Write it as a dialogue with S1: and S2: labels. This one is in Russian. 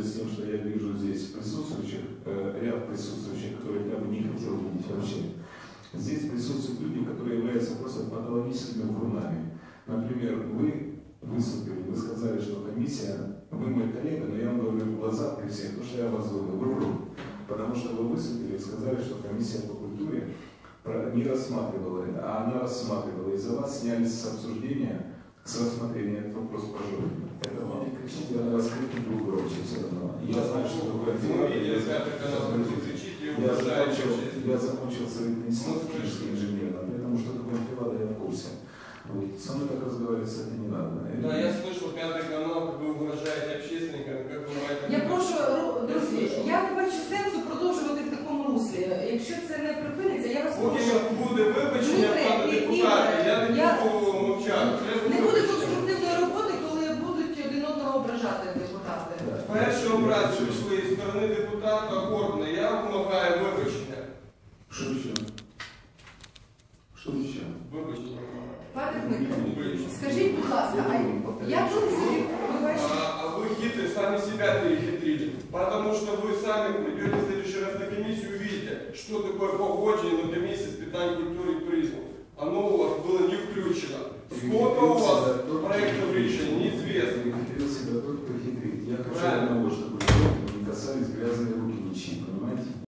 S1: пользуясь тем, что я вижу здесь присутствующих, ряд присутствующих, которых я бы не хотел видеть вообще. Здесь присутствуют люди, которые являются просто патологическими врунами. Например, вы выступили, вы сказали, что комиссия, вы мой коллега, но я вам говорю в глаза при всех, то, что я вас говорю, вы врун. Потому что вы выступили и сказали, что комиссия по культуре не рассматривала это, а она рассматривала. И за вас сняли с обсуждения, с рассмотрения этот вопрос пожалуйста. Это вам не кричите, я на вас крикну друг громче все равно. Я знаю, что такое дело. Я закончил совет института физическим инженером, поэтому что такое филада я в курсе. Вот. Со мной так разговаривать, кстати, не надо.
S2: Да, я слышал П'ятий канал, как ви вражаєте общественникам, як ви маєте...
S3: Я прошу, друзі, я не бачу сенсу продовжувати в такому руслі. Якщо це не припиниться, я вас прошу...
S2: Поки буде вибачення, пане депутате, я не буду мовчати.
S3: Не буде конструктивної роботи, коли будуть один одного ображати депутати.
S2: Перші образи пішли зі сторони депутата Горбана. Я вимагаю вибачення.
S1: Що ще? Що ще?
S2: Вибачення.
S3: Пане Дмитро, скажіть, будь ласка, я коли собі...
S2: А вы хитрые, сами себя перехитрили. Потому что вы сами придете в следующий раз на комиссию и увидите, что такое погоджение на комиссии с питанием культуры и туризма. Оно у вас было не включено. Сколько у вас проектов решений, неизвестно.
S1: Я себя только хитрить. Я хочу одного, чтобы не касались грязные руки ничьи, понимаете?